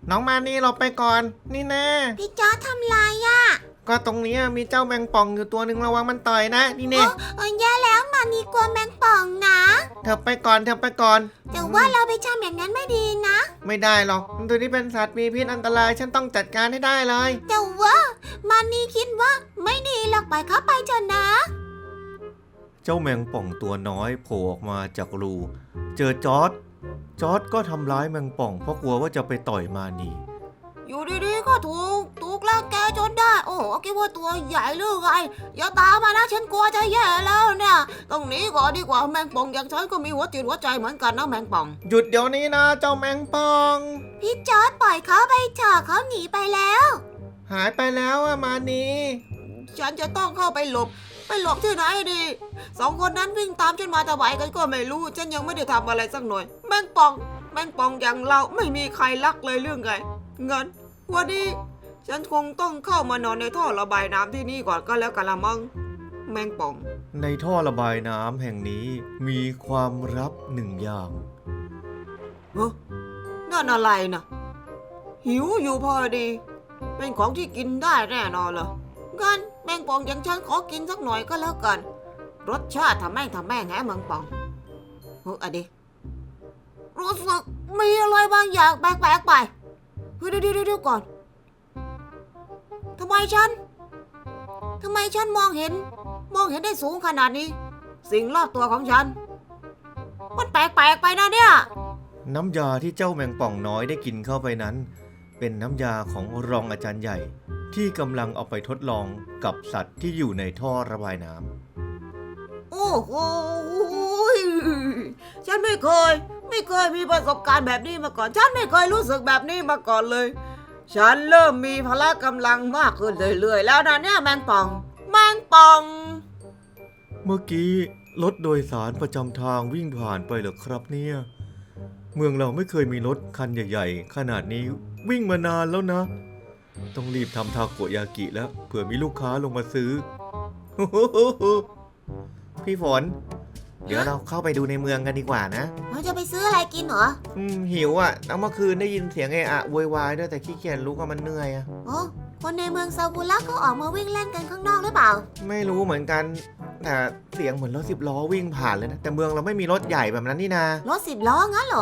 น้องมานี่เราไปก่อนนี่แน่พี่จอร์จทำไรอ่ะก็ตรงนี้มีเจ้าแมงป่องอยู่ตัวหนึ่งระวังมันต่อยนะนี่แน่แย่แล้วมานี่กลัวแมงป่องนะเธอไปก่อนแต่ว่าเราไปทำอย่างนั้นไม่ดีนะไม่ได้หรอกตัวนี้เป็นสัตว์มีพิษอันตรายฉันต้องจัดการให้ได้เลยแต่ว่ามานี่คิดว่าไม่ดีหรอกปล่อยเขาไปเถอะนะเจ้าแมงป่องตัวน้อยโผล่ออกมาจากรูเจอจอร์จก็ทำร้ายแมงป่องเพราะกลัวว่าจะไปต่อยมานีอยู่ดีๆก็ถูกแล้วแกจนได้โอ้โหคิดว่าตัวใหญ่หรือไงอย่าตามมานะฉันกลัวจะแย่แล้วเนี่ยต้องหนีก่อนดีกว่าแมงป่องอย่างฉันก็มีหัวจิตหัวใจเหมือนกันนะแมงป่องหยุดเดี๋ยวนี้นะเจ้าแมงป่องพี่จอร์จปล่อยเขาไปเถอะเขาหนีไปแล้วหายไปแล้วมานีฉันจะต้องเข้าไปหลบที่ไหนดีสองคนนั้นวิ่งตามฉันมาทำไมกันก็ไม่รู้ฉันยังไม่ได้ทำอะไรสักหน่อยแมงป่องอย่างเราไม่มีใครรักเลยเรื่องไงงั้นวันนี้ฉันคงต้องเข้ามานอนในท่อระบายน้ำที่นี่ก่อนก็แล้วกันละมั้งแมงป่องในท่อระบายน้ำแห่งนี้มีความลับหนึ่งอย่างนั่นอะไรนะหิวอยู่พอดีเป็นของที่กินได้แน่นอนเหรองั้นแมงป่องอย่างฉันขอกินสักหน่อยก็แล้วกันรสชาติทำแม่งแม่งป่องอะดิรู้สึกมีอะไรบางอย่างแปลกๆไปเดี๋ยวก่อนทำไมฉันมองเห็นได้สูงขนาดนี้สิ่งรอบตัวของฉันมันแปลกไปนะเนี่ยน้ำยาที่เจ้าแมงป่องน้อยได้กินเข้าไปนั้นเป็นน้ำยาของรองอาจารย์ใหญ่ที่กำลังเอาไปทดลองกับสัตว์ที่อยู่ในท่อระบายน้ำโอ้โหฉันไม่เคยมีประสบการณ์แบบนี้มาก่อนฉันไม่เคยรู้สึกแบบนี้มาก่อนเลยฉันเริ่มมีพละกำลังมากขึ้นเรื่อยๆแล้วนะเนี่ยแมงป่องเมื่อกี้รถโดยสารประจำทางวิ่งผ่านไปเหรอครับเนี่ยเมืองเราไม่เคยมีรถคันใหญ่ๆขนาดนี้วิ่งมานานแล้วนะต้องรีบทำทาโกยากิแล้วเผื่อมีลูกค้าลงมาซื้อ พี่ฝนเดี๋ยวเราเข้าไปดูในเมืองกันดีกว่านะเราจะไปซื้ออะไรกินเหรอหิวอ่ะเมื่อคืนได้ยินเสียงโวยวายด้วยแต่ขี้เกียจลุกก็มันเหนื่อยอ่ะคนในเมืองซากุระเขาออกมาวิ่งเล่นกันข้างนอกหรือเปล่าไม่รู้เหมือนกันแต่เสียงเหมือนรถ10 ล้อวิ่งผ่านเลยนะแต่เมืองเราไม่มีรถใหญ่แบบนั้นนี่นารถ10 ล้องั้นเหรอ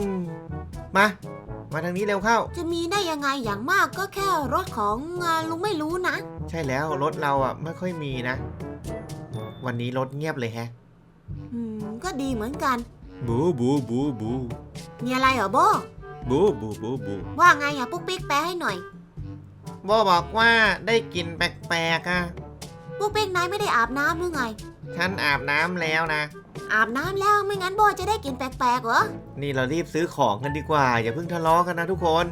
มาทางนี้เร็วเข้าจะมีได้ยังไงอย่างมากก็แค่รถของลุงไม่รู้นะใช่แล้วรถเราไม่ค่อยมีนะวันนี้รถเงียบเลยแฮะก็ดีเหมือนกันบูมีอะไรเหรอโบบูว่าไงปุ๊กปิ๊กแปลให้หน่อยโบบอกว่าได้กลิ่นแปลกๆปุ๊กปิ๊กนายไม่ได้อาบน้ำหรือไงฉันอาบน้ำแล้วนะอาบน้ำแล้วไม่งั้นโบจะได้กลิ่นแปลกๆเหรอนี่เรารีบซื้อของกันดีกว่าอย่าเพิ่งทะเลาะกันนะทุกคน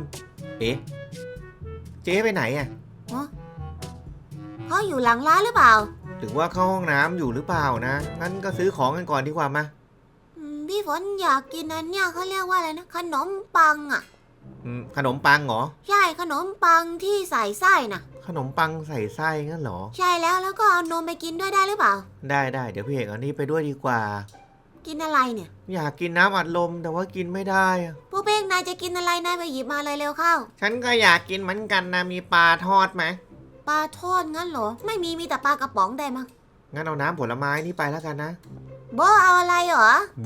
เจ๊ไปไหนเขาอยู่หลังร้านหรือเปล่าหรือว่าเข้าห้องน้ำอยู่หรือเปล่านะงั้นก็ซื้อของกันก่อนดีกว่ามาพี่ฝนอยากกินอันเนี้ยเขาเรียกว่าอะไรนะขนมปังขนมปังเหรอใช่ขนมปังที่ใส่ไส้น่ะขนมปังใส่ไส้งั้นเหรอใช่แล้วก็เอานมไปกินด้วยได้หรือเปล่าได้เดี๋ยวพี่เอกเอานี่ไปด้วยดีกว่ากินอะไรเนี่ยอยากกินน้ำอัดลมแต่ว่ากินไม่ได้พวกเป้งนายจะกินอะไรนายไปหยิบมาเลยเร็วเข้าฉันก็อยากกินเหมือนกันนะมีปลาทอดไหมปลาทอดงั้นเหรอไม่มีแต่ปลากระป๋องได้มั้งงั้นเอาน้ำผลไม้นี่ไปแล้วกันนะโบเอาอะไรเหรอโบ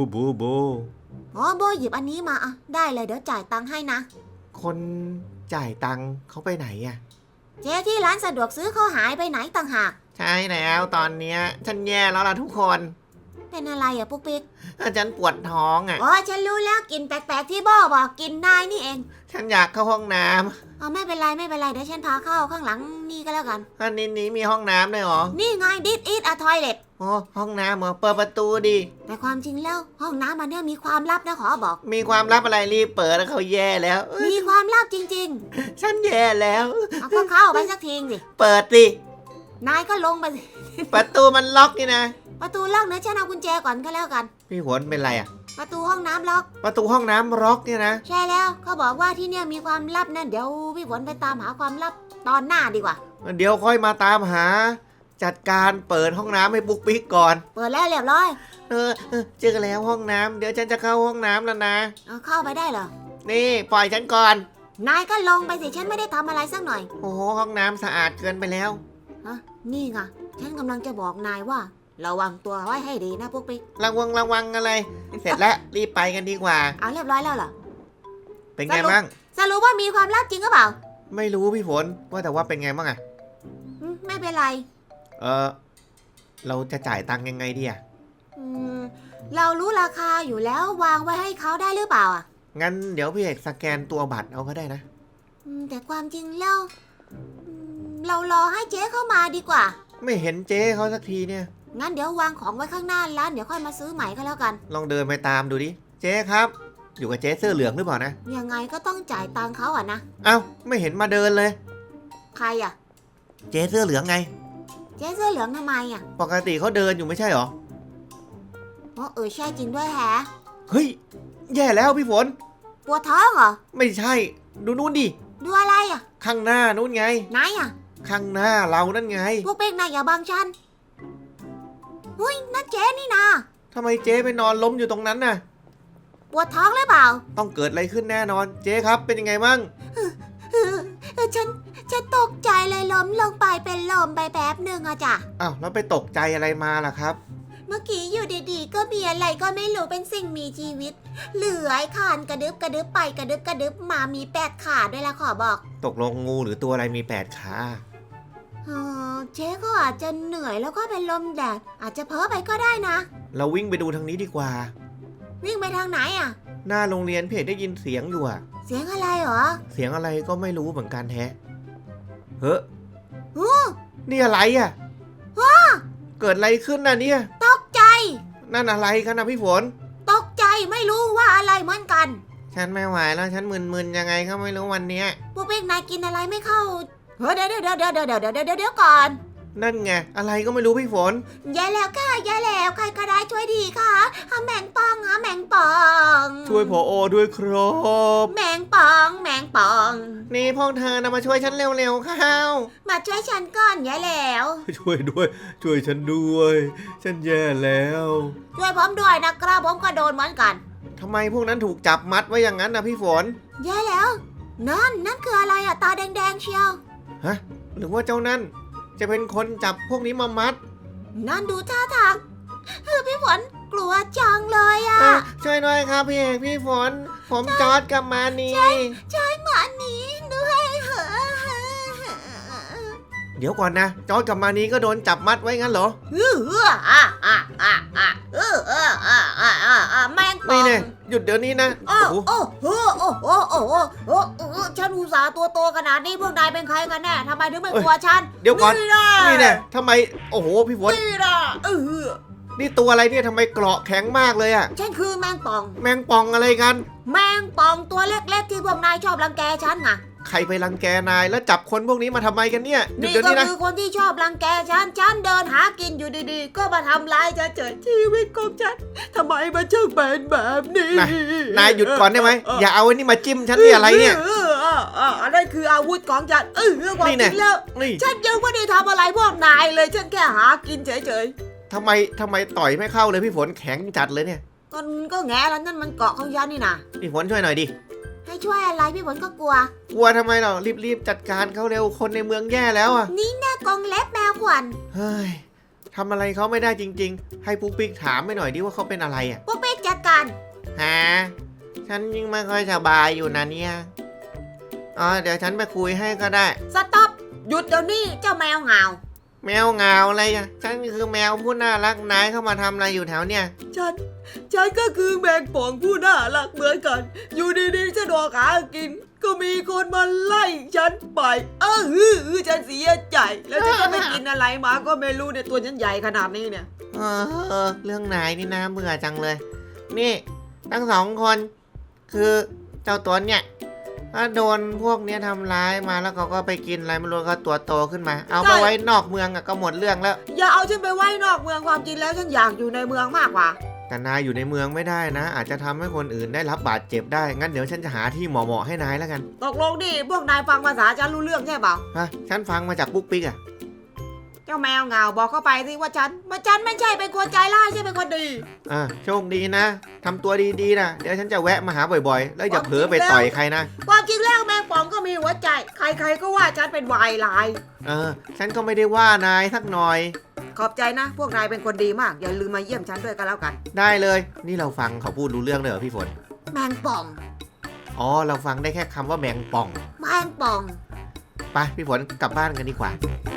โบหยิบอันนี้มาได้เลยเดี๋ยวจ่ายตังค์ให้นะคนจ่ายตังค์เขาไปไหนเจ๊ที่ร้านสะดวกซื้อเขาหายไปไหนต่างหากใช่แล้วตอนเนี้ยฉันแย่แล้วล่ะทุกคนเป็นอะไรปุ๊กปิ๊กฉันปวดท้องฉันรู้แล้วกินแปลกๆที่โบบอกกินได้นี่เองฉันอยากเข้าห้องน้ำไม่เป็นไรเดี๋ยวฉันพาเข้าข้างหลังนี่ก็แล้วกันอันนี้มีห้องน้ำด้วยเหรอนี่ไง This is a toilet ห้องน้ำเหรอเปิดประตูดิแต่ความจริงแล้วห้องน้ำมันเนี่ยมีความลับนะขอบอกมีความลับอะไรรีบเปิดแล้วเขาแย่แล้วมีความลับจริงๆฉันแย่แล้วก็เข้าไปสักทีสิเปิดสินายก็ลงไปสิประตูมันล็อกนี่นะประตูล็อกนะฉันเอากุญแจก่อนก็แล้วกันพี่ฝนเป็นไรประตูห้องน้ำล็อกประตูห้องน้ำล็อกเนี่ยนะใช่แล้วเขาบอกว่าที่เนี่ยมีความลับนะเดี๋ยวพี่ฝนไปตามหาความลับตอนหน้าดีกว่าเดี๋ยวค่อยมาตามหาจัดการเปิดห้องน้ำให้ปุ๊กปิ๊กก่อนเปิดแล้วเรียบร้อยเจอแล้วห้องน้ำเดี๋ยวฉันจะเข้าห้องน้ำแล้วนะเข้าไปได้เหรอนี่ปล่อยฉันก่อนนายก็ลงไปสิฉันไม่ได้ทำอะไรสักหน่อยโอ้โหห้องน้ำสะอาดเกินไปแล้วฮะนี่ไงฉันกำลังจะบอกนายว่าระวังตัวไว้ให้ดีนะพวกปิ๊กระวังอะไร เสร็จแล้วรีบไปกันดีกว่าเอาเรียบร้อยแล้วเหรอเป็นไงบ้างสรุปว่ามีความลับจริงหรือเปล่าไม่รู้พี่ฝนว่าแต่ว่าเป็นไงบ้างอะไม่เป็นไรเราจะจ่ายตังค์ยังไงดีอะอืมเรารู้ราคาอยู่แล้ววางไว้ให้เขาได้หรือเปล่าอ่ะงั้นเดี๋ยวพี่เอกสแกนตัวบัตรเอาก็ได้นะแต่ความจริงแล้วเรารอให้เจ๊เข้ามาดีกว่าไม่เห็นเจ๊เขาสักทีเนี่ยงั้นเดี๋ยววางของไว้ข้างหน้าร้านเดี๋ยวค่อยมาซื้อใหม่ก็แล้วกันลองเดินไปตามดูดิ เจ๊ครับ อยู่กับเจ๊เสื้อเหลืองหรือเปล่านะยังไงก็ต้องจ่ายตังค์เขาอ่ะนะเอ้าไม่เห็นมาเดินเลยใครอ่ะเจ๊เสื้อเหลืองไงเจ๊เสื้อเหลืองทำไมอ่ะปกติเขาเดินอยู่ไม่ใช่หรอใช่จริงด้วยแฮะเฮ้ย แย่แล้วพี่ฝนปวดท้องเหรอไม่ใช่ ดูนู่นดิดูอะไรอ่ะข้างหน้านู่นไงไหนอ่ะข้างหน้าเรานั่นไงพวกเป็กนายอย่าบังฉันเฮ้ยนั่นเจ๊นี่นะทำไมเจ๊ไปนอนล้มอยู่ตรงนั้นน่ะปวดท้องหรือเปล่าต้องเกิดอะไรขึ้นแน่นอน เจ๊ครับเป็นยังไงบ้างฉันตกใจเลยล้มลงไปเป็นลมไปแป๊บหนึ่งอะจ้ะอ้าวแล้วไปตกใจอะไรมาล่ะครับเมื่อกี้อยู่ดีๆก็มีอะไรก็ไม่รู้เป็นสิ่งมีชีวิตเลื้อยคลานกระดึบกระดึบไปกระดึบกระดึบมามี8 ขาด้วยละขอบอกตกลงงูหรือตัวอะไรมี8 ขาเจ๊ก็อาจจะเหนื่อยแล้วก็เป็นลมแดดอาจจะเพ้อไปก็ได้นะเราวิ่งไปดูทางนี้ดีกว่าวิ่งไปทางไหนอะหน้าโรงเรียนเพจได้ยินเสียงอยู่อะเสียงอะไรเหรอเสียงอะไรก็ไม่รู้เหมือนกันแฮะ เฮ้ยโอ้นี่อะไรอะเกิดอะไรขึ้นน่ะเนี่ยตกใจนั่นอะไรกันนะพี่ฝนตกใจไม่รู้ว่าอะไรเหมือนกันฉันไม่ไหวแล้วฉันมึนๆยังไงก็ไม่รู้วันเนี้ยพวกเป็กนายกินอะไรไม่เข้าเดี๋ยวก่อนนั่นไงอะไรก็ไม่รู้พี่ฝนอย่าแล้วค่ะอย่าแล้วใครก็ได้ช่วยดีค่ะหาแมงป่องหาแมงป่องช่วยผอด้วยครับแมงป่องแมงป่องนี่พวกเธอนะมาช่วยฉันเร็วๆเข้ามาช่วยฉันก่อนอย่าแล้วช่วยด้วย ช่วยฉันด้วย ฉันแย่แล้วช่วยผมด้วยนะครับผมก็โดนเหมือนกันทำไมพวกนั้นถูกจับมัดไว้อย่างนั้นนะพี่ฝนอย่าแล้วนั่นคืออะไรอะตาแดงๆเชียวฮะหรือว่าเจ้านั่นจะเป็นคนจับพวกนี้มามัดนั่นดูท่าทางพี่ฝนกลัวจังเลยอะช่วยด้วยครับพี่เอกพี่ฝน ผมจอร์ดกับมานีช่วยหมาหนีด้วยเหรอเดี๋ยวก่อนนะจอร์ดกับมานีก็โดนจับมัดไว้งั้นเหรอแมงป่นี่องแน่หยุดเดี๋ยวนี้นะโอ้โอ้โหโอ้โอ้โอ้โอ้โอ้โอ้โอ้ฉันอุตส่าห์ตัวโตขนาดนี้พวกนายเป็นใครกันแน่ทำไมถึงไม่กลัวฉันเดี๋ยวก่อนนะนี่แน่ทำไมโอ้โหพี่ฝนนี่นะนี่ตัวอะไรเนี่ยทำไมเกราะแข็งมากเลยอะฉันคือแมงป่องแมงป่องอะไรกันแมงป่องตัวเล็กๆที่พวกนายชอบรังแกฉันไงใครไปรังแกนายแล้วจับคนพวกนี้มาทำไมกันเนี่ยหยุดนี่เดี๋ยวก็นี้นะคือคนที่ชอบรังแกฉันเดินหากินอยู่ดีๆ ก็มาทำร้ายฉันเจอชีวิตของฉันทำไมมันช่างเป็นแบบนี้นายหยุดก่อนได้ไหมอย่าเอาไอ้นี่มาจิ้มฉันนี่อะไรเนี่ยอันนั้นคืออาวุธของฉันความนี่จแน่ริงแล้วนี่ฉันยังไม่ได้ทำอะไรพวกนายเลยฉันแค่หากินเฉยทำไมต่อยไม่เข้าเลยพี่ฝนแข็งจัดเลยเนี่ยๆก็แง่แล้วนั่นมันเกาะของฉันนี่นะพี่ฝนช่วยหน่อยดิให้ช่วยอะไรพี่ฝนก็กลัวกลัวทำไมเรารีบจัดการเขาเร็วคนในเมืองแย่แล้วอ่ะนี่แน่กองเล็บแมวขวัญเฮ้ยทำอะไรเขาไม่ได้จริง ๆ ให้ปุ๊กปิ๊กถามไปหน่อยดิว่าเขาเป็นอะไรอ่ะพวกเป็กจัดการฮะฉันยังไม่ค่อยสบายอยู่นะเนี่ยเดี๋ยวฉันไปคุยให้ก็ได้สต็อปหยุดเดี๋ยวนี้เจ้าแมวเหงาแมวเหงาอะไรอ่ะฉันคือแมวผู้น่ารักนายเข้ามาทำอะไรอยู่แถวเนี่ยฉันก็คือแมงป่องผู้น่ารักเหมือนกัน อยู่ดีๆฉันออกหากิน ก็มีคนมาไล่ฉันไปฉันเสียใจ แล้วฉันจะไปกินอะไรมาก็ไม่รู้เนี่ยตัวฉันใหญ่ขนาดนี้เนี่ยเรื่องนายนี่น่าเบื่อจังเลย นี่ทั้งสองคนคือเจ้าตัวเนี่ยถ้าโดนพวกเนี้ยทำร้ายมาแล้วเขาก็ไปกินอะไรไม่รู้ก็ตัวโตขึ้นมา เอาไปไว้นอกเมืองก็หมดเรื่องแล้วอย่าเอาฉันไปไว้นอกเมืองความจริงแล้วฉันอยากอยู่ในเมืองมากกว่าแต่นายอยู่ในเมืองไม่ได้นะ อาจจะทำให้คนอื่นได้รับบาดเจ็บได้งั้นเดี๋ยวฉันจะหาที่เหมาะๆให้นายแล้วกันตกลงดิพวกนายฟังภาษาฉันรู้เรื่องใช่เปล่าฮะฉันฟังมาจากปุ๊กปิ๊กอะเจ้าแมวเหงาบอกเข้าไปสิว่าฉันไม่ใช่เป็นคนใจร้ายใช่เป็นคนดีโชคดีนะทำตัวดีๆนะเดี๋ยวฉันจะแวะมาหาบ่อยๆ แล้วอย่าเผลอไปต่อยใครนะความจริงแล้วแมงป่องก็มีหัวใจ ใครๆก็ว่าฉันเป็นวายร้ายฉันก็ไม่ได้ว่านายสักหน่อยขอบใจนะ พวกนายเป็นคนดีมาก อย่าลืมมาเยี่ยมฉันด้วยกันแล้วกันได้เลย นี่เราฟังเขาพูดรู้เรื่องเลยเหรอพี่ฝนแมงป่องอ๋อเราฟังได้แค่คำว่าแมงป่องแมงป่องไปพี่ฝนกลับบ้านกันดีกว่าแ